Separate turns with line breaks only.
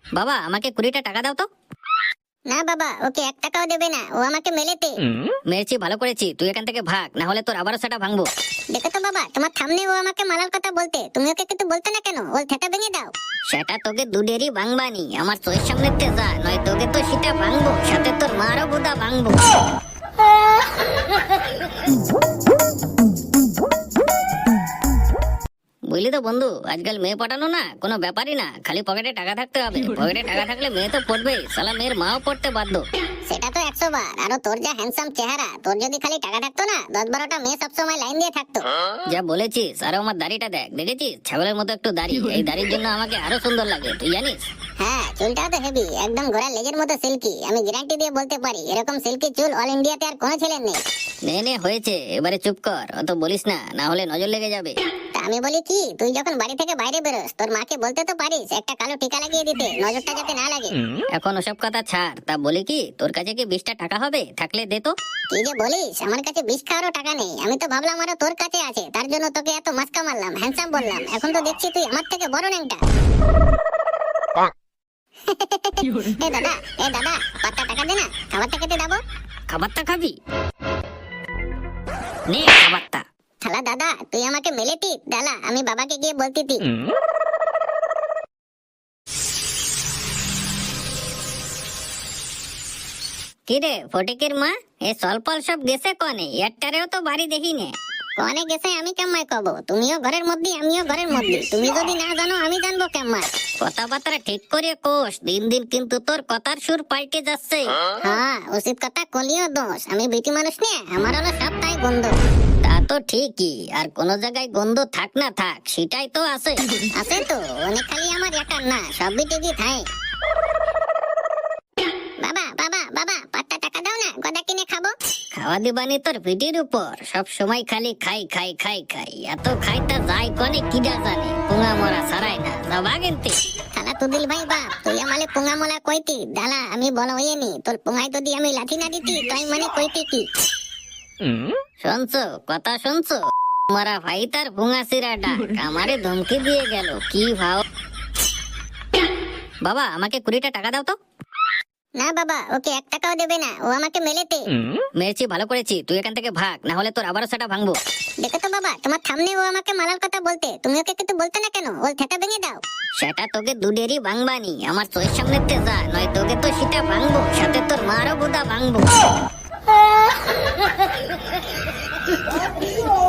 বাবা আমাকে 20টা টাকা দাও তো।
না বাবা, ওকে 1 টাকাও দেবে না, ও আমাকে মেলেতে।
মেরেছি ভালো করেছি, তুই এখান থেকে ভাগ, না হলে তোর আবারও সেটা ভাঙবো।
দেখো তো বাবা, তোমার সামনে ও আমাকে মারার কথা বলতে, তুমি ওকে কিন্তু বলতে না কেন? ওর থেটা ভেঙে দাও।
সেটা তোকে দুডেরই ভাঙবানি, আমার চোখের সামনে যা, নয় তোকে তো সেটা ভাঙবো, সাথে তোর মারও বুদা ভাঙবো। বুঝলি তো বন্ধু, আজকাল মেয়ে পটানো না কোনো ব্যাপারই না, খালি পকেটে টাকা থাকতে হবে। পকেটে টাকা থাকলে মেয়ে তো পড়বেই, শালা মেয়ের মাও পড়তে বাধ্য।
সেটা তো 100 বার। আর তোর যা হ্যান্ডসাম চেহারা, তোর যদি খালি টাকা থাকতো না, 10-12টা মেয়ে সবসময় লাইন দিয়ে থাকতো।
যা বলেছিস। আর আমার দাড়িটা দেখ, দেখেছিস ছাগলের মতো একটু দাড়ি, এই দাড়ির জন্য আমাকে আরো সুন্দর লাগে, তুই জানিস?
হ্যাঁ, চুলটাও তো হেভি, একদম ঘোড়ার লেজের মতো সিল্কি। আমি গ্যারান্টি দিয়ে বলতে পারি, এরকম সিল্কি চুল অল ইন্ডিয়াতে আর কোনো ছেলের নেই।
নে হয়েছে, এবারে চুপ কর, অত বলিস না, না হলে নজর লেগে যাবে।
তা আমি বলি কি, তুই যখন বাড়ি থেকে বাইরে বেরোস, তোর মাকে বলতে তো পারিস একটা কালো টিকা লাগিয়ে দিতে, নজরটা যাতে না লাগে।
এখন ওসব কথা ছাড়, তা বলি কি, তোর কাছে কি 20টা টাকা হবে? থাকলে দে তো।
কি যে বলিস, আমার কাছে বিষ খাওয়ারও টাকা নেই। আমি তো ভাবলাম আরো তোর কাছে আছে, তার জন্য তোকে এত মাস্কা মারলাম, হ্যান্ডসাম বললাম। এখন তো দেখছি তুই আমার থেকে বড় ন্যাংটা। এ দাদা, এ দাদা, 5টা টাকা দে না, খাবারটা খেতে দেবো।
খাবারটা খাবি? নে খাবারটা।
শালা দাদা, তুই আমাকে মেলেতি দালা, আমি বাবাকে গিয়ে বলতিতি।
কিরে ফটিকের মা, এ সলপল সব গেছে কনে? একটারেও তো বাড়ি দেখি নে।
কোনে গেছে আমি কেমন কব? তুমিও ঘরের মধ্যে, আমিও ঘরের মধ্যে। তুমি যদি না জানো, আমি জানবো কেমন?
কথাবার্তা ঠিক করে কোষ, দিন দিন কিন্তু তোর কথার সুর পাল্টে যাচ্ছে।
হ্যাঁ, উচিত কথা কলিও দোষ। আমি বিটি মানুষ নিয়ে, আমার হলো সবটাই গন্ধ।
তা তো ঠিকই, আর কোন জায়গায় গন্ধ থাক না থাক, সেটাই তো আছে।
আছে তো, অনেক, খালি আমার একার না, সব বিটিরই থাকে। বাবা বাবা বাবা, 5টা টাকা দাও না, গদা কিনে খাবো।
খাওয়া দিবানি তোর পিঠির উপর, সব সময় খালি খাই খাই খাই খাই, এত খাই তা যাই কনে কিডা জানে, পুঙা মরা ছাড়াই না, যাবা গেনতে।
শালা তুদিল ভাই বাপ, তুই আমালে পোঙা মোলা কইতি দালা, আমি বড় হইনি। তোর পোঙায় যদি আমি লাঠি না দিতি, তাই মানে কইতি কি?
শুনছো কথা, শুনছো? মারা ভাই তার পুঙা সিরা ডাক আমারে ধমকি দিয়ে গেল, কি ভাও। বাবা আমাকে 20টা টাকা দাও তো।
না বাবা, ওকে 1 টাকাও দেবে না, ও আমাকে মেলেতে।
মেরেছি ভালো করেছি, তুই এখান থেকে ভাগ, না হলে তোর আবারও সেটা ভাঙবো।
দেখো তো বাবা, তোমার সামনে ও আমাকে মারার কথা বলতে, তুমি ওকে কিন্তু বলতে না কেন? ওর থেটা ভেঙে দাও।
সেটা তোকে দুডেরই ভাঙবানি, আমার চোখের সামনে যা, নয় তোকে তো সেটা ভাঙবো, সাথে তোর মারও বুদা ভাঙবো।